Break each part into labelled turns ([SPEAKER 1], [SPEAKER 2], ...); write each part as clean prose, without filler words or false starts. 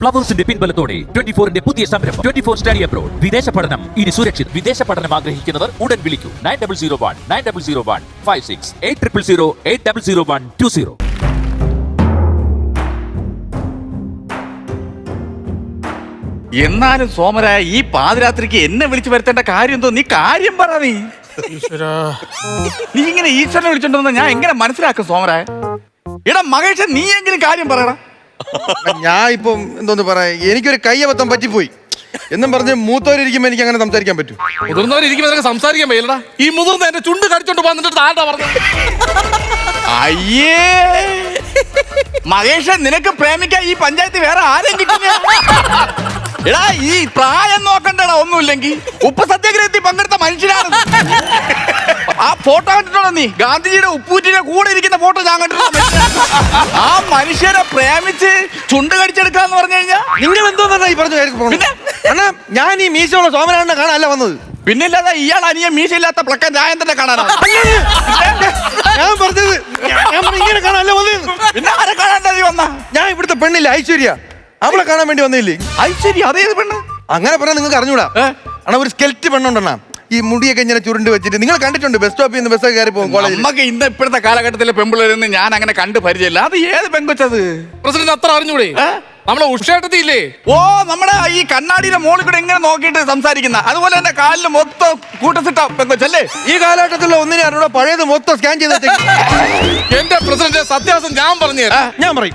[SPEAKER 1] ഫ്ലവേഴ്സിന്റെ പിൻബലത്തോടെ 24ന്റെ പുതിയ സംരംഭം 24 study abroad. വിദേശ പഠനം ഇനി സുരക്ഷിത്. വിദേശ പഠനം ആഗ്രഹിക്കുന്നവർ ഉടൻ വിളിക്കൂ 9001 8001 800120.
[SPEAKER 2] എന്നാലും സോമരായ ഈ പാതിരാത്രിക്ക് എന്നെ വിളിച്ചു വരുത്തേണ്ട കാര്യം എന്തോ? നീ കാര്യം പറ. നീ ഇങ്ങനെ ഈശ്വരനെ വിളിച്ചോണ്ടെന്ന് ഞാൻ എങ്ങനെ മനസ്സിലാക്കും സോമരായ? എടാ മഹേഷ്, നീ എങ്കിലും കാര്യം പറയടാ.
[SPEAKER 3] ഞാൻ ഇപ്പം എന്തോന്ന് പറയാ, എനിക്കൊരു കയ്യബദ്ധം പറ്റിപ്പോയി എന്നും പറഞ്ഞ് മൂത്തവരിയ്ക്കുമ്പോ എനിക്ക് അങ്ങനെ സംസാരിക്കാൻ പറ്റും.
[SPEAKER 4] മുതിർന്നവരിയ്ക്കുമ്പോ സംസാരിക്കാൻ പറ്റില്ലടാ. ഈ മുതിർന്ന എന്റെ ചുണ്ട് കടിച്ചോണ്ട് വന്നിട്ട് ആരാ പറഞ്ഞത്?
[SPEAKER 2] അയ്യേ മഹേഷ്, നിനക്ക് പ്രേമിക്കാൻ ഈ പഞ്ചായത്ത് വേറെ ആരെയും കിട്ടുന്ന? എടാ ഈ പ്രായം നോക്കണ്ടടാ. ഒന്നുമില്ലെങ്കിൽ ഉപ്പ് സത്യാഗ്രഹത്തിൽ പങ്കെടുത്ത മനുഷ്യനാണ്. ആ ഫോട്ടോ കണ്ടിട്ടുണ്ടോ നീ? ഗാന്ധിജിയുടെ ഉപ്പൂറ്റിന്റെ കൂടെ ഇരിക്കുന്ന ഫോട്ടോ ഞാൻ കണ്ടിട്ടുണ്ടോ? ആ മനുഷ്യരെ പ്രേമിച്ച് ചുണ്ട് കടിച്ചെടുക്കാന്ന് പറഞ്ഞു കഴിഞ്ഞാൽ
[SPEAKER 3] നിങ്ങൾ എന്തോന്നാ ഈ പറഞ്ഞു? അണ്ണാ, ഞാൻ ഈ മീശയുള്ള സോമനാഥനെ കാണാനല്ല വന്നത്.
[SPEAKER 2] പിന്നില്ലാതെ ഇയാൾ അനിയ മീശയില്ലാത്ത പ്ലക്കൻ രായന്തനെ കാണാനാണ്
[SPEAKER 3] ഞാൻ പറഞ്ഞത്. ഇങ്ങനെ കാണാനല്ല വന്നത്.
[SPEAKER 2] പിന്നെ ആരെ കാണാൻ നീ വന്ന?
[SPEAKER 3] ഞാൻ ഇവിടുത്തെ പെണ്ണില്ല ഐശ്വര്യ, അവളെ കാണാൻ വേണ്ടി വന്നില്ലേ?
[SPEAKER 2] ഐശ്വര്യ? അതേത് പെണ്ണ്?
[SPEAKER 3] അങ്ങനെ പറഞ്ഞാൽ നിങ്ങൾക്ക് അറിഞ്ഞൂടാ. അണ്ണാ, ഒരു സ്കെൽറ്റ് പെണ്ണുണ്ടെണ്ണ, ഈ മുടിയൊക്കെ ഇങ്ങനെ ചുരുണ്ട് വെച്ചിട്ട് നിങ്ങൾ കണ്ടിട്ടുണ്ട്. ബസ് സ്റ്റോപ്പിൽ നിന്ന് ബസ്സൊക്കെ കയറി പോകും കോളേജിൽ.
[SPEAKER 2] നമുക്ക് ഇന്ന് ഇപ്പോഴത്തെ കാലഘട്ടത്തിലെ പെമ്പിളരെന്ന് ഞാൻ അങ്ങനെ കണ്ട് പരിചയമില്ല. അത് ഏത് പെങ്കൊച്ചത്?
[SPEAKER 4] പ്രസിഡന്റ് അത്ര അറിഞ്ഞൂടെ? നമ്മളെ ഉഷേട്ടത്തില്ലേ?
[SPEAKER 2] ഓ, നമ്മുടെ ഈ കണ്ണാടിയുടെ മോളിൽ കൂടെ എങ്ങനെ നോക്കിയിട്ട് സംസാരിക്കുന്ന, അതുപോലെ തന്നെ കാലില് മൊത്തം കൂട്ടസിട്ട പെങ്കൊച്ചല്ലേ?
[SPEAKER 3] ഈ കാലഘട്ടത്തിലുള്ള ഒന്നിനെ അറിഞ്ഞൂടാ, പഴയത് മൊത്തം സ്കാൻ ചെയ്ത്
[SPEAKER 4] എന്റെ പ്രസിഡന്റ് സത്യാവസ്ഥ ഞാൻ പറഞ്ഞു തരാം.
[SPEAKER 3] ഞാൻ പറയും.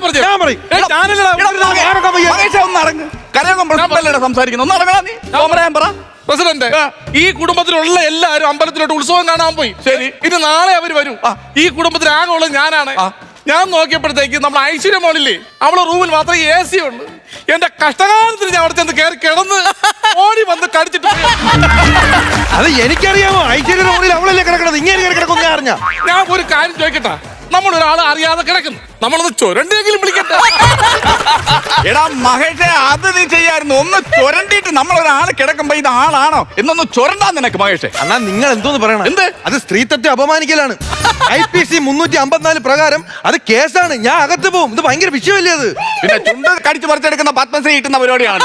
[SPEAKER 2] കരയോഗം പ്രസിഡന്റല്ലേ സംസാരിക്കുന്നു? ഒന്ന് ഇറങ്ങാ നീ. സോമരായൻ പറ.
[SPEAKER 4] പ്രസിഡന്റ്, ഈ കുടുംബത്തിലുള്ള എല്ലാവരും അമ്പലത്തിലോട്ട് ഉത്സവം കാണാൻ പോയി.
[SPEAKER 2] ശരി.
[SPEAKER 4] ഇനി നാളെ അവര് വരും. ഈ കുടുംബത്തിൽ ആകെ ഉള്ളത് ഞാനാണ്. ഞാൻ നോക്കിയപ്പോഴത്തേക്ക് നമ്മൾ ഐശ്വര്യ മോളില്ലേ, അവളെ റൂമിൽ മാത്രമേ AC ഉണ്ട്. എന്റെ കഷ്ടകാലത്തിന് ഞാൻ അവിടെ ചെന്ന് കയറി കിടന്ന് ഓടി വന്ന് കടിച്ചിട്ട്.
[SPEAKER 3] അത് എനിക്കറിയാമോ? ഐശ്വര്യ റൂമിൽ അവളല്ലേ കിടക്കണത്, ഇങ്ങനെ കിടക്കും. ഞാൻ അറിഞ്ഞ.
[SPEAKER 4] ഞാൻ ഒരു കാര്യം ചോദിക്കട്ടെ, നമ്മളൊരാൾ അറിയാതെ കിടക്കുന്നു, നമ്മളൊന്ന് ചുരണ്ടെങ്കിലും വിളിക്കട്ടെ.
[SPEAKER 2] എടാ മഹേഷേ, അത് നീ ചെയ്യായിരുന്നു. ഒന്ന് ചുരണ്ടിട്ട് നമ്മളൊരാൾ കിടക്കുമ്പോ ഇത് ആളാണോ എന്നൊന്ന് ചുരണ്ടാ നിനക്ക് മഹേഷേ.
[SPEAKER 3] അണ്ണാ, നിങ്ങൾ എന്തോന്ന് പറയണം?
[SPEAKER 2] എന്ത്?
[SPEAKER 3] അത് സ്ത്രീത്വത്തെ അപമാനിക്കലാണ്. IPC 354 പ്രകാരം അത് കേസാണ്. ഞാൻ അകത്ത് പോകും. ഇത് ഭയങ്കര വിഷയമല്ലേ അത്?
[SPEAKER 2] പിന്നെ ചുണ്ട് കടിച്ചു പറിച്ചെടുക്കുന്ന പത്മശ്രീ കിട്ടുന്ന പരിപാടിയാണ്.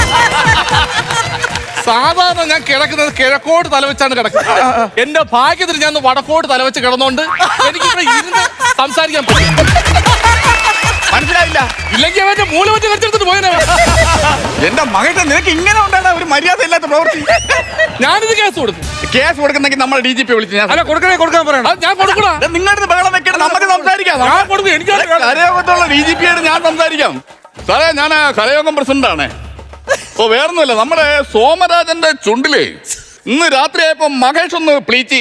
[SPEAKER 4] സാധാരണ ഞാൻ കിടക്കുന്നത് കിഴക്കോട്ട് തലവെച്ചാണ് കിടക്കുന്നത്. എന്റെ ഭാഗ്യത്തിന് ഞാൻ വടക്കോട്ട് തലവെച്ച് കിടന്നോണ്ട് എനിക്കിവിടെ ഇരുന്ന് സംസാരിക്കാൻ പറ്റും.
[SPEAKER 2] മനസ്സിലായില്ല?
[SPEAKER 4] ഇല്ലെങ്കിൽ അവന്റെ മൂല വെച്ച് കടിച്ചെടുത്തിട്ട് പോയനെ.
[SPEAKER 2] എന്റെ മകന്റെ നിനക്ക് ഇങ്ങനെ ഉണ്ടാണ് ഒരു മര്യാദ ഇല്ലാത്ത പ്രവൃത്തി.
[SPEAKER 4] ഞാനിത് കേസ് കൊടുക്കും.
[SPEAKER 2] കേസ് കൊടുക്കുന്നെങ്കിൽ നമ്മൾ DGP വിളിച്ച് ഞാൻ
[SPEAKER 3] കൊടുക്കാൻ പറയണം.
[SPEAKER 4] ഞാൻ കൊടുക്കണം.
[SPEAKER 2] നിങ്ങളുടെ ബഹളം വെക്കണം, നമുക്ക് സംസാരിക്കാം.
[SPEAKER 4] ഞാൻ കൊടുക്കും. എനിക്ക്
[SPEAKER 2] കരയോഗത്തുള്ള DGP ആയിട്ട് ഞാൻ സംസാരിക്കാം. സാറേ, ഞാൻ കരയോഗം പ്രസിഡന്റ് ആണ്. ഓ, വേറൊന്നുമില്ല, നമ്മുടെ സോമരാജന്റെ ചുണ്ടില് ഇന്ന് രാത്രിയായപ്പോ മഹേഷ് ഒന്ന് പ്ലീച്ചി.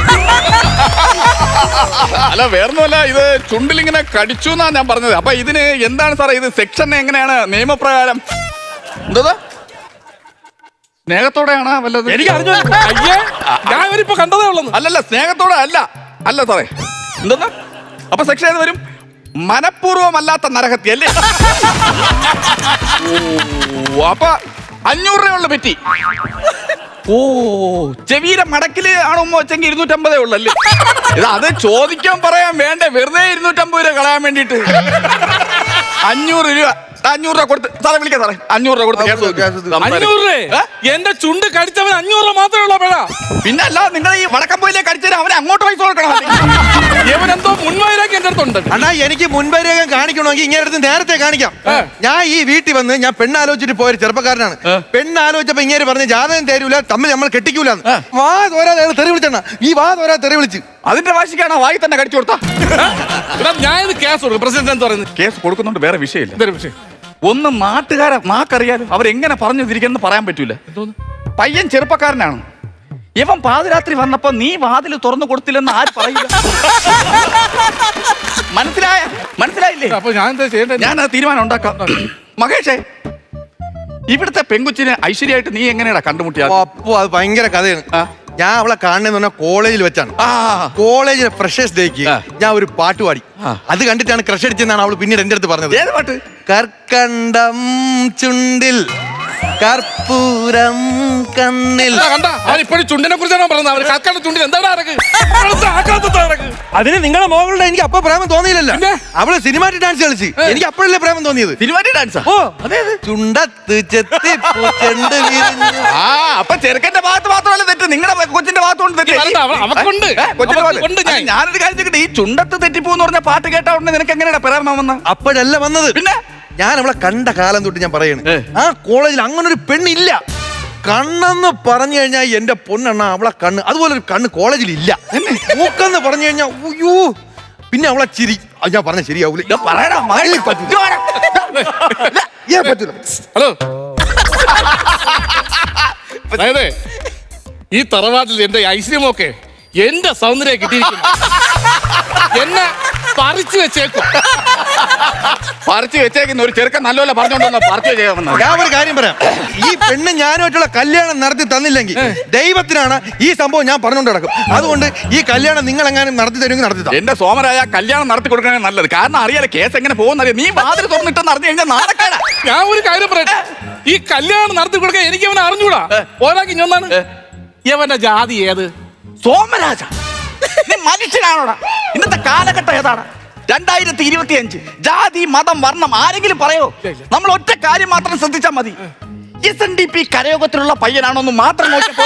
[SPEAKER 2] അല്ല, വേറൊന്നുമല്ല, ഇത് ചുണ്ടിലിങ്ങനെ കടിച്ചു എന്നാ ഞാൻ പറഞ്ഞത്. അപ്പൊ ഇതിന് എന്താണ് സാറേ ഇത് സെക്ഷൻ എങ്ങനെയാണ് നിയമപ്രകാരം? എന്താ സ്നേഹത്തോടെയാണ് വല്ലത്?
[SPEAKER 4] എനിക്ക് അറിഞ്ഞു. അയ്യേ, ഞാൻ ഇവരിപ്പോ കണ്ടതേ ഉള്ളൂ.
[SPEAKER 2] അല്ലല്ല, സ്നേഹത്തോടെ അല്ല സാറേ. എന്താ അപ്പൊ സെക്ഷൻ ഏത് വരും? മനഃപൂർവ്വമല്ലാത്ത നരഹത്യ അല്ലേ? അപ്പൊ 500 രൂപയുള്ള പറ്റി. ഓ, ചെവിയുടെ മടക്കില് ആണുമ്പോ വെച്ചെങ്കിൽ 250 ഉള്ളല്ലേ? അത് ചോദിക്കാൻ പറയാൻ വേണ്ടേ, വെറുതെ 250 രൂപ കളയാൻ വേണ്ടിട്ട് 500 രൂപ. 500 രൂപ കൊടുത്ത് സാറേ വിളിക്കാം. സാറേ 500 രൂപ കൊടുത്ത്
[SPEAKER 4] 500 രൂപ? എന്റെ ചുണ്ട് കടിച്ചവൻ 500 രൂപ മാത്രമേ ഉള്ളൂ. പേടാ,
[SPEAKER 2] പിന്നെ അല്ല, നിങ്ങൾ ഈ വടക്കമ്പോയിലേക്ക് കടിച്ചാൽ അവനെ അങ്ങോട്ട് പൈസ കൊടുക്കണം.
[SPEAKER 4] ഇവനെന്തോ മുൻവൈരാഗ്യം എന്റെ അടുത്തുണ്ട്.
[SPEAKER 3] അണ്ണാ, എനിക്ക് മുൻവൈരാഗ്യം കാണിക്കണമെങ്കിൽ ഇങ്ങനെ അടുത്ത് നേരത്തെ കാണിക്കാം. ഞാൻ ഈ വീട്ടിൽ വന്ന് ഞാൻ പെണ്ണാലോചിച്ചിട്ട് പോയൊരു ചെറുപ്പക്കാരനാണ്. പെണ്ണാലോചിച്ചപ്പോ ഇങ്ങനെ പറഞ്ഞ് ജാതകം തരൂല, തമ്മിൽ നമ്മൾ കെട്ടിക്കൂലെന്ന്. വാ തോരാതെ തെറി വിളിച്ചെണ്ണ. ഈ വാ തോരാ തെറി വിളിച്ച്
[SPEAKER 2] അതിന്റെ വാശിക്കാണ് വായി തന്നെ കടിച്ചു കൊടുത്താ.
[SPEAKER 4] ഞാൻ ഇത് കേസ് കൊടുക്കും. പ്രസിഡന്റ് എന്ന് പറയുന്നത്
[SPEAKER 2] കേസ് കൊടുക്കുന്നുണ്ട്, വേറെ വിഷയമില്ല.
[SPEAKER 4] ഇതൊരു വിഷയം.
[SPEAKER 2] ഒന്ന് നാട്ടുകാരെ നാക്കറിയാലും അവരെങ്ങനെ പറഞ്ഞു തിരിക്കുന്നു പറയാൻ പറ്റൂല. പയ്യൻ ചെറുപ്പക്കാരനാണ്. ഇവൻ പാതിരാത്രി വന്നപ്പോ നീ വാതിൽ തുറന്നു കൊടുത്തില്ലെന്ന് ആര് പറയില്ല? മനസ്സിലായില്ലേ?
[SPEAKER 4] അപ്പൊ ഞാൻ എന്താ ചെയ്യേണ്ടത്?
[SPEAKER 2] ഞാൻ തീരുമാനം ഉണ്ടാക്കാം. മഹേഷേ, ഇവിടുത്തെ പെങ്കുച്ചിനെ ഐശ്വര്യമായിട്ട് നീ എങ്ങനെയാ കണ്ടുമുട്ടിയാ?
[SPEAKER 3] അപ്പോ അത് ഭയങ്കര കഥയാണ്. ഞാൻ അവളെ കാണുന്നതെന്ന് പറഞ്ഞാൽ കോളേജിൽ വെച്ചാണ്. കോളേജിലെ ഫ്രഷേഴ്സ് ഡേക്ക് ഞാൻ ഒരു പാട്ട് പാടി. അത് കണ്ടിട്ടാണ് ക്രഷ് അടിച്ചെന്നാണ് അവള് പിന്നീട് എന്റെ അടുത്ത് പറഞ്ഞത്.
[SPEAKER 2] ഏത് പാട്ട്?
[SPEAKER 3] കർക്കണ്ടം ചുണ്ടിൽ കർപ്പൂരം കണ്ണിൽ.
[SPEAKER 4] കണ്ട അവൻ ഇപ്പോഴും ചുണ്ടിനെ കുറിച്ചാണ് പറയുന്നത്. അവര് കൽക്കാണ്ട് ചുണ്ടിൽ എന്താണ് അരക്ക്
[SPEAKER 3] അതിന് നിങ്ങളെ മോകളുടെ എനിക്ക് അപ്പൊ പ്രേമം തോന്നിയില്ലല്ലോ.
[SPEAKER 4] പിന്നെ?
[SPEAKER 3] അവള് സിനിമാറ്റിക് ഡാൻസ് കളിച്ച് എനിക്ക് അപ്പോഴല്ലേ പ്രേമം തോന്നിയത്.
[SPEAKER 2] സിനിമാറ്റിക് ഡാൻസാ?
[SPEAKER 3] ഓ ചുണ്ടത്ത് ചെത്തി ചെണ്ട് വീരിഞ്ഞ്.
[SPEAKER 2] ആ അപ്പൊ ചെറുക്കന്റെ ഭാഗത്ത് മാത്രമല്ല തെറ്റ്, നിങ്ങളുടെ കൊച്ചിന്റെ ഭാഗത്തുകൊണ്ട് തെറ്റ്.
[SPEAKER 4] അവക്കുണ്ട്
[SPEAKER 2] കൊച്ചിന്റെ ഭാഗത്ത്.
[SPEAKER 4] അവക്കുണ്ട് ഞാൻ.
[SPEAKER 2] അത് ഞാനൊരു കാര്യം ചോദിക്കട്ടെ, ഈ ചുണ്ടത്ത് തെറ്റിപ്പോന്ന് പറഞ്ഞ പാട്ട് കേട്ടാ ഉടനെ നിനക്ക് എങ്ങനെയാ പ്രേമം വന്ന?
[SPEAKER 3] അപ്പോഴല്ല വന്നത്.
[SPEAKER 2] പിന്നെ
[SPEAKER 3] ഞാൻ അവളെ കണ്ട കാലം തൊട്ട് ഞാൻ പറയണേ, ആ കോളേജിൽ അങ്ങനെ ഒരു പെണ്ണില്ല. കണ്ണെന്ന് പറഞ്ഞു കഴിഞ്ഞാൽ എന്റെ പൊന്നെണ്ണ അവളെ കണ്ണ്, അതുപോലെ ഒരു കണ്ണ് കോളേജിൽ ഇല്ല. മൂക്കെന്ന് പറഞ്ഞു കഴിഞ്ഞാൽ ഉയ്യോ, പിന്നെ അവളെ ചിരി. അത് ഞാൻ പറഞ്ഞ ശരിയാവൂല.
[SPEAKER 2] പറയടാ മകനെ
[SPEAKER 3] പറ്റൂല.
[SPEAKER 4] ഹലോ അതായത് ഈ തറവാട്ടിൽ എന്റെ ഐശ്വര്യമൊക്കെ എന്റെ സൗന്ദര്യം കിട്ടിയിരിക്കുന്നു. എന്നെ പറിച്ചു വെച്ചേക്കും.
[SPEAKER 2] പറിച്ചു വെച്ചേക്കുന്ന ഒരു ചെറുക്കൻ നല്ലപോലെ പറഞ്ഞോണ്ടോ പറിച്ചു ചെയ്യാമെന്ന്.
[SPEAKER 3] ഞാൻ ഒരു കാര്യം പറയാം, ഈ പെണ്ണ് ഞാനുമായിട്ടുള്ള കല്യാണം നടത്തി തന്നില്ലെങ്കിൽ ദൈവത്തിനാണ് ഈ സംഭവം ഞാൻ പറഞ്ഞുകൊണ്ട് നടക്കും. അതുകൊണ്ട് ഈ കല്യാണം നിങ്ങൾ എങ്ങാനും നടത്തി തരുമെങ്കിൽ നടത്തി തരാം.
[SPEAKER 2] എന്റെ സോമരായ കല്യാണം നടത്തി കൊടുക്കണേ നല്ലത്. കാരണം അറിയാലോ കേസ് എങ്ങനെ പോകുന്നറിയാം. നീ വാതിൽ തുറന്നിട്ടെന്ന് അറിഞ്ഞു കഴിഞ്ഞാൽ നാണക്കേടാ.
[SPEAKER 4] ഞാൻ ഒരു കാര്യം പറയട്ടെ, ഈ കല്യാണം നടത്തി കൊടുക്കാൻ എനിക്ക് അവനെ അറിഞ്ഞൂടാ. പോരാക്കി ഒന്നാണ് ഇവന്റെ ജാതി ഏത്?
[SPEAKER 2] സോമരാജ നീ മനുഷ്യനാണോടാ? ഇന്നത്തെ കാലഘട്ടം ഏതാണ്? 2025. ജാതി മതം വർണ്ണം ആരെങ്കിലും പറയോ? നമ്മൾ ഒറ്റ കാര്യം മാത്രം ശ്രദ്ധിച്ചാൽ മതി. SNDP കരയോഗത്തിലുള്ള പയ്യനാണോന്ന് മാത്രം നോക്കിയപ്പോ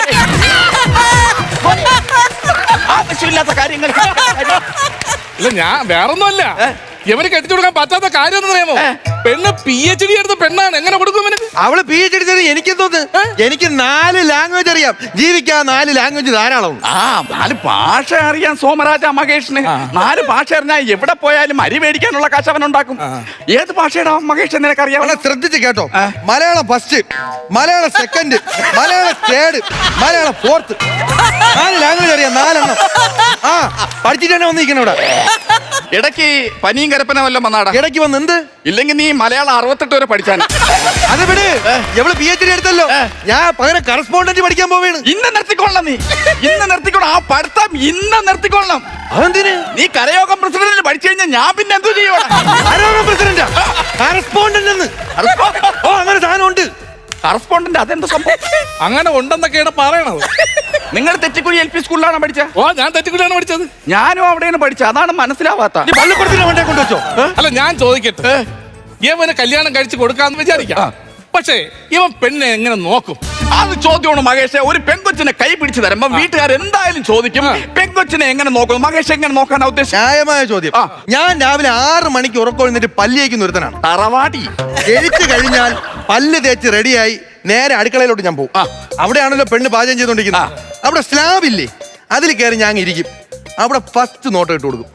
[SPEAKER 2] ആവശ്യമില്ലാത്ത കാര്യങ്ങൾ.
[SPEAKER 4] ഇല്ല ഞാൻ വേറൊന്നുമല്ല, ഇവന് കെട്ടിച്ചു കൊടുക്കാൻ പറ്റാത്ത കാര്യം എന്ന് അറിയാമോ? പെണ്ണ് PhD എടുത്ത പെണ്ണാണ്. എങ്ങനെ കൊടുക്കും ഇവന്?
[SPEAKER 3] അവള് PhD എടുത്തത് എനിക്ക് തോന്നുന്നു. എനിക്ക് 4 ലാംഗ്വേജ് അറിയാം. ജീവിക്കാൻ 4 ലാംഗ്വേജ് ധാരാളം.
[SPEAKER 2] 4 ഭാഷ അറിയാൻ സോമരാജ മഹേഷിന്. 4 ഭാഷ അറിഞ്ഞാൽ എവിടെ പോയാലും അരി മേടിക്കാനുള്ള കാശ് അവൻ ഉണ്ടാക്കും. ഏത് ഭാഷയുടെ മഹേഷ് നിനക്കറിയാം?
[SPEAKER 3] അവളെ ശ്രദ്ധിച്ച് കേട്ടോ. Malayalam first, Malayalam second, Malayalam third, Malayalam fourth. 4 language അറിയാം. 4 എണ്ണം. ആ പഠിച്ചിട്ട് തന്നെ വന്നിരിക്കണം ഇവിടെ.
[SPEAKER 2] ഇടയ്ക്ക് പനിയും കരപ്പന വല്ലതും വന്നാടാ?
[SPEAKER 3] ഇടയ്ക്ക് വന്ന് എന്ത്?
[SPEAKER 2] ഇല്ലെങ്കിൽ നീ മലയാളം 68 വരെ പഠിച്ചാണ്.
[SPEAKER 3] അത് വിട്. എവള് PhD എടുത്തല്ലോ. ഞാൻ പകരം കറസ്പോണ്ടന്റ് പഠിക്കാൻ പോവേണ്.
[SPEAKER 2] ഇന്ന് നിർത്തിക്കൊള്ളണം. നീ ഇന്ന് നിർത്തിക്കൊള്ളണം. ആ പഠിത്തം ഇന്ന് നിർത്തിക്കൊള്ളണം.
[SPEAKER 3] അതെന്തിന്?
[SPEAKER 2] നീ കരയോഗം പ്രസിഡന്റിന് പഠിച്ചു കഴിഞ്ഞാൽ ഞാൻ പിന്നെ എന്തോ ചെയ്യണം?
[SPEAKER 3] ആരോഗ്യ പ്രസിഡന്റാ? കറസ്പോണ്ടന്റ് എന്ന്. ഓ അങ്ങനെ സാധനം ഉണ്ട്.
[SPEAKER 2] കറസ്പോണ്ടന്റ് അതെന്താ സംഭവം?
[SPEAKER 4] അങ്ങനെ ഉണ്ടെന്നൊക്കെയാണ് പറയണത്.
[SPEAKER 2] നിങ്ങൾ തെറ്റിക്കുഴി LP സ്കൂളിലാണ് പഠിച്ച?
[SPEAKER 4] ഓ ഞാൻ തെറ്റിക്കൂടിയാണ് പഠിച്ചത്.
[SPEAKER 2] ഞാനും അവിടെയാണ് പഠിച്ചത്. അതാണ് മനസ്സിലാവാത്ത.
[SPEAKER 3] നീ പള്ളിക്കൂടത്തിന് വണ്ടേ കൊണ്ടുവച്ചോ?
[SPEAKER 4] അല്ല ഞാൻ ചോദിക്കട്ടെ, ഇവന് കല്യാണം കഴിച്ച് കൊടുക്കാന്ന് വിചാരിക്കാം. പക്ഷേ ഇവൻ പെണ്ണെ എങ്ങനെ നോക്കും?
[SPEAKER 2] അത് ചോദ്യമാണ് മഹേഷ്. ഒരു പെൺകൊച്ചിനെ കൈ പിടിച്ചു തരുമ്പോ വീട്ടുകാർ എന്തായാലും ചോദിക്കും, പെൺകൊച്ചിനെ എങ്ങനെ നോക്കും? മഹേഷ് എങ്ങനെ നോക്കാനാ ഉദ്ദേശം?
[SPEAKER 3] ന്യായമായ ചോദ്യം. ഞാൻ രാവിലെ 6 മണിക്ക് ഉറക്കൊഴിഞ്ഞിട്ട് പല്ലിയേക്ക് ഒരുത്തനാണ്.
[SPEAKER 2] തറവാടി
[SPEAKER 3] എഴുത്ത് കഴിഞ്ഞാൽ പല്ല് തേച്ച് റെഡിയായി നേരെ അടുക്കളയിലോട്ട് ഞാൻ പോകും. അവിടെയാണല്ലോ പെണ്ണ് പാചകം ചെയ്തോണ്ടിരിക്കുന്നത്. അവിടെ സ്ലാബ് ഇല്ലേ, അതിൽ കയറി ഞാൻ ഇരിക്കും. അവിടെ ഫസ്റ്റ് നോട്ട് ഇട്ട് കൊടുക്കും.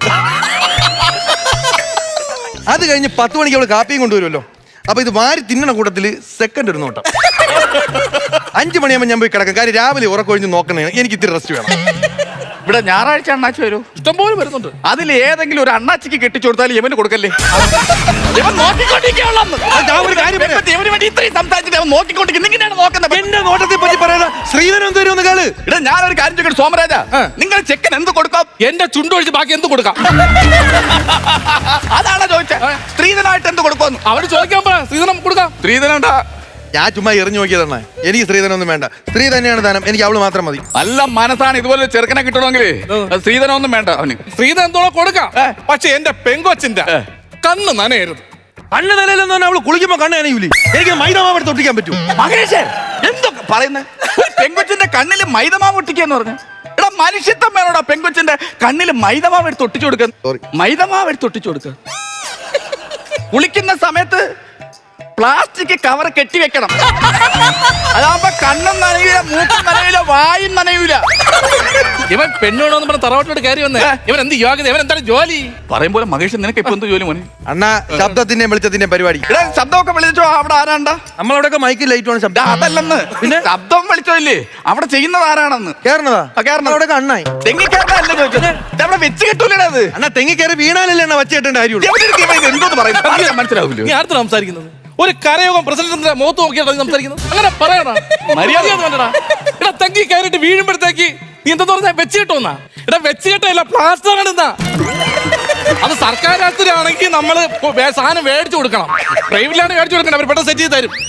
[SPEAKER 3] അത് കഴിഞ്ഞ് 10 മണിക്ക് അവള് കാപ്പിയും കൊണ്ടുവരുമല്ലോ. അപ്പൊ ഇത് വാരി തിന്നണ കൂട്ടത്തില് സെക്കൻഡ് ഒരു നോട്ടം. 5 മണിയാകുമ്പോൾ ഞാൻ പോയി കിടക്കും. കാര്യം രാവിലെ ഉറക്കൊഴിഞ്ഞ് നോക്കണേ, എനിക്ക് ഇത്തിരി റെസ്റ്റ് വേണം.
[SPEAKER 2] ഇവിടെ ഞായറാഴ്ച അണ്ണാച്ചി വരൂ.
[SPEAKER 4] ഇഷ്ടംപോലെ വരുന്നുണ്ട്.
[SPEAKER 2] അതിൽ ഏതെങ്കിലും ഒരു അണ്ണാച്ചിക്ക് കെട്ടിച്ചു കൊടുത്താൽ ഇവന് കൊടുക്കല്ലേ? ഇവൻ നോക്കിക്കൊണ്ടിരിക്കുകയാണെന്ന്.
[SPEAKER 3] ഞാൻ ഒരു കാര്യം പറയാം.
[SPEAKER 2] ഇവന് വേണ്ടി ഇത്രയും സംസാരിച്ചിട്ട് അവൻ നോക്കിക്കൊണ്ടിരിക്കും. ഇങ്ങനെയാണ് നോക്കുന്നത്.
[SPEAKER 3] എന്റെ നോട്ടത്തെ പറ്റി പറയാ ശ്രീധരൻ തരുമെന്ന് കേള്.
[SPEAKER 2] ഇവിടെ ഞാനൊരു കാര്യം ചോദിക്കട്ടെ സോമരാജ, നിങ്ങൾ ചെക്കൻ എന്ത് കൊടുക്കാം?
[SPEAKER 4] എന്റെ ചുണ്ടൊഴിച്ച് ബാക്കി എന്ത് കൊടുക്കാം?
[SPEAKER 2] അതാണ് ചോദിച്ചത്. സ്ത്രീധനമായിട്ട് എന്ത് കൊടുക്കുമെന്ന്
[SPEAKER 4] അവര് ചോദിക്കാൻ പറ. സ്ത്രീധനം കൊടുക്കാം.
[SPEAKER 2] സ്ത്രീധനം
[SPEAKER 3] ഞാൻ ചുമ്മാ എറിഞ്ഞു നോക്കിയതാണ്. എനിക്ക് സ്ത്രീധനൊന്നും വേണ്ട. സ്ത്രീ തന്നെയാണ് ധനം. എനിക്ക് അവള് മാത്രം മതി.
[SPEAKER 2] നല്ല മനസ്സാണ്. ഇതുപോലെ ചെറുക്കനെ കിട്ടണമെങ്കിൽ സ്ത്രീധനം ഒന്നും വേണ്ട അവന്.
[SPEAKER 4] സ്ത്രീധനം എന്തോ കൊടുക്കാം. പക്ഷെ എന്റെ പെങ്കൊച്ചിന്റെ കണ്ണ് നനയരുത്.
[SPEAKER 3] കണ്ണ് നിലയിലെന്ന് പറഞ്ഞാൽ അവള് കുളിക്കുമ്പോ കണ്ണ് നനയൂലേ? എനിക്ക് മൈദമാവ് എടുത്ത് ഒട്ടിക്കാൻ പറ്റൂ?
[SPEAKER 2] മഹേഷ് എന്തൊക്കെ പറയുന്നത്? പെങ്കൊച്ചിന്റെ കണ്ണില് മൈദമാവ് ഒട്ടിക്കാന്ന് പറഞ്ഞു. എടാ മനുഷ്യത്വം വേണോടാ പെങ്കൊച്ചിന്റെ കണ്ണില് മൈദമാവ് എടുത്ത് ഒട്ടിച്ചു കൊടുക്കാൻ. മൈദമാവ് എടുത്ത് ഒട്ടിച്ചു കൊടുക്കുക. കുളിക്കുന്ന സമയത്ത് പ്ലാസ്റ്റിക് കവർ കെട്ടിവെക്കണം. അതാകുമ്പോ കണ്ണും നനയൂല, മൂക്കും നനയൂല, വായും നനയൂല.
[SPEAKER 4] ഇവൻ പെണ്ണോടൊന്നും പറഞ്ഞ തറവാട്ടോട് കയറി വന്നേ. ഇവൻ എന്ത് യോഗ്യത? ഇവൻ എന്താണ് ജോലി?
[SPEAKER 2] പറയുമ്പോൾ മഹേഷ് നിനക്ക് ഇപ്പൊ എന്ത് ജോലി മോനെ?
[SPEAKER 3] അണ്ണാ ശബ്ദത്തിന്റെ വെളിച്ചത്തിന്റെ പരിപാടി.
[SPEAKER 2] ഇവിടെ ശബ്ദമൊക്കെ വിളിച്ചോ. അവിടെ ആരാണ്ടാ?
[SPEAKER 3] നമ്മളവിടെയൊക്കെ മൈക്ക് ലൈറ്റ് ആണ് ശബ്ദം.
[SPEAKER 2] അതല്ലെന്ന്. പിന്നെ ശബ്ദം വിളിച്ചോ ഇല്ലേ? അവിടെ ചെയ്യുന്നത് ആരാണെന്ന്?
[SPEAKER 3] കേറണതാ?
[SPEAKER 2] അവിടെ
[SPEAKER 3] അണ്ണായി
[SPEAKER 2] തെങ്ങിക്കയറല്ല ചോദിച്ചത്. അവിടെ വെച്ച് കിട്ടൂലേ അത്?
[SPEAKER 3] അണ്ണാ തെങ്ങി കയറി വീണാലല്ലേ എണ്ണ വച്ച് കെട്ടേണ്ട കാര്യമുള്ളൂ.
[SPEAKER 2] എന്തോന്ന് പറയുന്നത് മനസ്സിലാവില്ല.
[SPEAKER 4] നീ ആർത്ത് സംസാരിക്കുന്നത്? ഒരു കരയോഗം പ്രസിഡന്റിന്റെ മുഖത്ത് നോക്കിയാണ് സംസാരിക്കുന്നത്. അങ്ങനെ പറയണ മര്യാദ വേണ്ടടാ. ഇവിടെ തെങ്ങി കയറിയിട്ട് വീഴുമ്പോഴത്തേക്ക് നീ എന്താ പറഞ്ഞാ വെച്ച് കിട്ടുമെന്നാ? ഇവിടെ വെച്ച് കിട്ടല്ല, പ്ലാസ്റ്റർ ആണ്. അത് സർക്കാർ ആശുപത്രിയാണെങ്കിൽ നമ്മള് സാധനം മേടിച്ചു കൊടുക്കണം. പ്രൈവറ്റിലാണ് മേടിച്ചു കൊടുക്കണം. അവർ പെട്ടെന്ന് സെറ്റ് ചെയ്ത് തരും.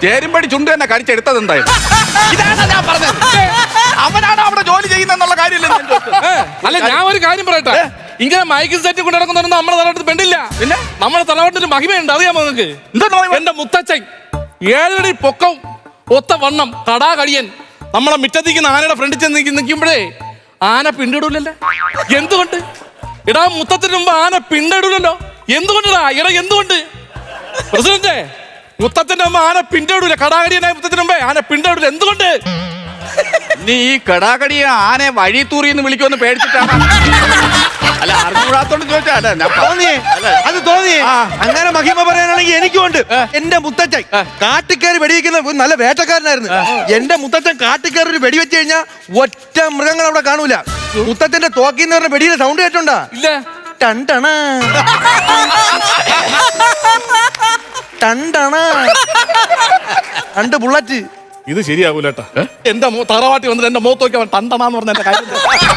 [SPEAKER 2] ചേരുമ്പടി ചുണ്ട് തന്നെ കടിച്ചെടുത്തത് എന്തായാലും ഇതാണ് ഞാൻ പറഞ്ഞത്. അവനാണ് അവിടെ ജോലി ചെയ്യുന്നെന്നുള്ള കാര്യമില്ല ഞാൻ ചോദിച്ചത്.
[SPEAKER 4] അല്ല ഞാൻ ഒരു കാര്യം പറയട്ടെ, ഇങ്ങനെ മൈക്ക് സെറ്റ് കൊണ്ട് നടക്കുന്നൊന്നും നമ്മുടെ തലവട്ടത്തിൽ പെണ്ണില്ല.
[SPEAKER 2] പിന്നെ
[SPEAKER 4] നമ്മുടെ തലവട്ടത്തിന് മഹിമയുണ്ട്, അറിയാമോ നിങ്ങൾക്ക്?
[SPEAKER 2] എന്താ
[SPEAKER 4] എന്റെ മുത്തച്ഛൻ 7 അടി പൊക്കം, ഒത്ത വണ്ണം, കടാകടിയൻ. നമ്മളെ മിറ്റത്തിക്കുന്ന ആനയുടെ ഫ്രണ്ടിൽ ചെന്ന് നിൽക്കുമ്പോഴേ ആന പിണ്ടിടൂലല്ലോ. എന്തുകൊണ്ട്? ഇടാ മുത്തത്തിന് മുമ്പ് ആന പിണ്ടിടൂലല്ലോ. എന്തുകൊണ്ടാ? ഇടാ എന്തുകൊണ്ട്? പ്രസിഡന്റ്, മുത്തത്തിന്റെ മുമ്പ് ആന പിണ്ടിടൂല. കടാകടിയനായ മുത്തത്തിന് മുമ്പേ ആന പിണ്ടിടൂല. എന്തുകൊണ്ട്?
[SPEAKER 2] നീ ഈ കടാകടിയെ ആനെ വഴി തൂറിന്ന് വിളിക്കുമെന്ന് പേടിച്ചിട്ടാണ്. അല്ല അറിഞ്ഞുകൂടാത്തോണ്ട് ചോദിച്ചാ.
[SPEAKER 3] തോന്നിയേ അത് തോന്നിയേ. അങ്ങനെ മഹിമ പറയാനാണെങ്കിൽ എനിക്കുണ്ട്. എന്റെ മുത്തച്ഛൻ കാട്ടിക്കയറി വെടിവെക്കുന്ന നല്ല വേട്ടക്കാരനായിരുന്നു. എന്റെ മുത്തച്ഛൻ കാട്ടിക്കയറി ഒരു വെടിവെച്ച് കഴിഞ്ഞാൽ ഒറ്റ മൃഗങ്ങൾ അവിടെ കാണൂല. മുത്തച്ഛന്റെ തോക്കിന്ന് പറഞ്ഞ വെടിയുടെ സൗണ്ട് കേട്ടോണ്ടാ?
[SPEAKER 4] ഇല്ല.
[SPEAKER 3] ടണ്ടണ ടണ്ടണ 2 ബുള്ളറ്റ്.
[SPEAKER 4] ഇത് ശരിയാകൂലേട്ടാ. എന്റെ തറവാട്ടി വന്നിട്ട് എന്റെ മുഖത്ത് നോക്കി അവൻ തണ്ടണാന്ന് പറഞ്ഞ എന്റെ കാര്യം.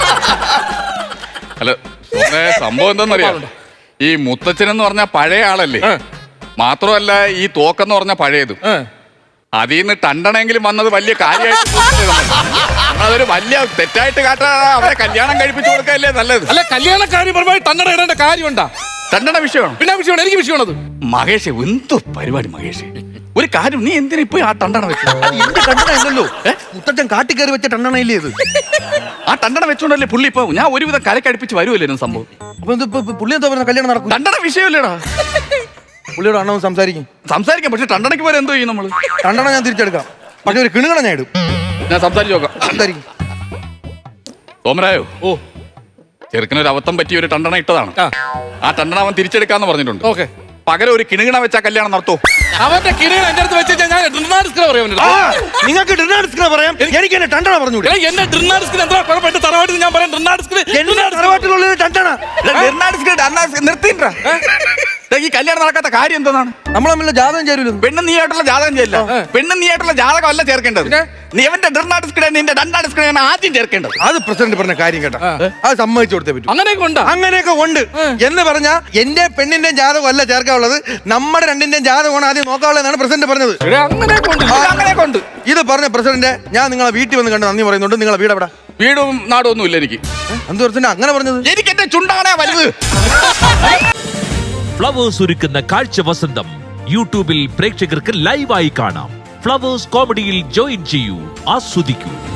[SPEAKER 2] അല്ല സംഭവം എന്താന്നറിയാം, ഈ മുത്തച്ഛൻ എന്ന് പറഞ്ഞ പഴയ ആളല്ലേ. മാത്രമല്ല ഈ തോക്കെന്ന് പറഞ്ഞ പഴയതും. അതിൽ നിന്ന് ടണ്ടണെങ്കിലും വന്നത് വലിയ കാര്യമായിട്ട് അതൊരു വലിയ തെറ്റായിട്ട് കാട്ടാ. അവരെ കല്യാണം കഴിപ്പിച്ചു കൊടുക്കല്ലേ നല്ലത്.
[SPEAKER 4] അല്ല കല്യാണക്കാരി പരമായി ടണ്ടണ ഇടേണ്ട കാര്യമുണ്ടാ?
[SPEAKER 2] ടണ്ടണ വിഷയമാണ്.
[SPEAKER 4] പിന്നെ വിഷയമാണ്, എനിക്ക് വിഷയമാണത്.
[SPEAKER 2] മഹേഷ് എന്തു പരിപാടി മഹേഷ്? ഒരു കാര്യം, നീ എന്തിനാ ഇപ്പൊ ആ ടണ്ടണ വെച്ചത്?
[SPEAKER 3] എന്റെ ടണ്ടണ അല്ലല്ലോ, മുത്തച്ഛൻ കാട്ടിക്കയറി വെച്ച ടണ്ടണ ഇല്ലേ ഇത്?
[SPEAKER 2] ആ ടണ്ടണ വെച്ചോണ്ടല്ലേ പുള്ളി ഇപ്പൊ ഞാൻ ഒരുവിധം കരക്കടുപ്പിച്ച് വരുമല്ലേ സംഭവം.
[SPEAKER 3] അപ്പൊ ഇതിപ്പോ പുള്ളി എന്താ പറഞ്ഞ കല്യാണം നടക്കും?
[SPEAKER 2] ടണ്ടണ വിഷയമല്ലേടാ.
[SPEAKER 3] പുള്ളിയോട് അണ്ണവും സംസാരിക്കും.
[SPEAKER 2] പക്ഷെ ടണ്ടണയ്ക്ക് പോലെ എന്തോ ചെയ്യും നമ്മള്?
[SPEAKER 3] ടണ്ടണ ഞാൻ തിരിച്ചെടുക്കാം, പക്ഷെ ഒരു കിണുകണ ഞാൻ ഇടും.
[SPEAKER 2] ഞാൻ സംസാരിച്ചു നോക്കാം.
[SPEAKER 3] സംസാരിക്കും.
[SPEAKER 2] തോമരായോ?
[SPEAKER 4] ഓ,
[SPEAKER 2] ചെറുക്കനൊരു അബദ്ധം പറ്റിയ ഒരു ടണ്ടണ ഇട്ടതാണ്. ആ ടണ്ടണ അവൻ തിരിച്ചെടുക്കാന്ന് പറഞ്ഞിട്ടുണ്ട്.
[SPEAKER 4] ഓക്കെ.
[SPEAKER 2] പകരം ഒരു കിണുകിണ വെച്ചാ കല്യാണം നടത്തോ?
[SPEAKER 4] അവന്റെ കിണി എന്റെ അടുത്ത് വെച്ച് ഞാൻ
[SPEAKER 3] നിങ്ങൾക്ക് ഡിന്നർ പറയാം, എനിക്ക് എന്നെ ടണ്ടണ പറഞ്ഞൂടെ?
[SPEAKER 4] എന്റെ ഡ്രിന്നാഡിസ്കിന് എന്താ കുഴപ്പമില്ല? തറവാട്ടിൽ ഞാൻ പറയാം ഡ്രിന്നാഡിസ്കിന്.
[SPEAKER 3] എന്റെ തറവാട്ടിലുള്ള ടണ്ടണ
[SPEAKER 2] നിർത്തിണ്ടാ. ഈ കല്യാണം നടക്കാത്ത കാര്യം എന്താണ്?
[SPEAKER 3] നമ്മൾ തമ്മിലുള്ള ജാതകം ചേരൂല.
[SPEAKER 2] പെണ്ണ് നീ ആയിട്ടുള്ള ജാതകം ചെയ്യില്ല. പെണ്ണ് നീ ആയിട്ടുള്ള ജാതകം അല്ല ചേർക്കേണ്ടത്. നീ അവന്റെ ഡ്രിന്നാഡിസ്കിനെ നിന്റെ ഡണ്ടാഡിസ്കിനെ ആദ്യം ചേർക്കേണ്ടത്.
[SPEAKER 3] അത് പ്രസിഡന്റ് പറഞ്ഞ കാര്യം കേട്ടോ, അത് സമ്മതിച്ചു കൊടുത്തേ പറ്റൂ. അങ്ങനെയൊക്കെ ഉണ്ട് എന്ന് പറഞ്ഞാ എന്റെ പെണ്ണിന്റെ ജാതകം അല്ല ചേർക്കാനുള്ളത്, നമ്മുടെ രണ്ടിന്റെയും ജാതകമാണ് ആദ്യം നോക്കാനുള്ളതെന്നാണ് പ്രസിഡന്റ് പറഞ്ഞത്.
[SPEAKER 2] അങ്ങനെ കൊണ്ട്
[SPEAKER 3] ഇത് പറഞ്ഞ പ്രസിഡന്റ്, ഞാൻ നിങ്ങളെ വീട്ടിൽ വന്ന് കണ്ട് നന്ദി പറയുന്നുണ്ട്. നിങ്ങളെ വീട് എവിടെ?
[SPEAKER 2] വീടും നാടും ഒന്നും ഇല്ല എനിക്ക്.
[SPEAKER 3] എന്ത് പ്രസിഡന്റ് അങ്ങനെ പറഞ്ഞത്?
[SPEAKER 2] എനിക്ക് എന്റെ ചുണ്ടാണേ വലുത്.
[SPEAKER 1] ഫ്ലവേഴ്സ് ഒരുക്കുന്ന കാഴ്ച വസന്തം യൂട്യൂബിൽ പ്രേക്ഷകർക്ക് ലൈവായി കാണാം. ഫ്ലവേഴ്സ് കോമഡിയിൽ ജോയിൻ ചെയ്യൂ, ആസ്വദിക്കൂ.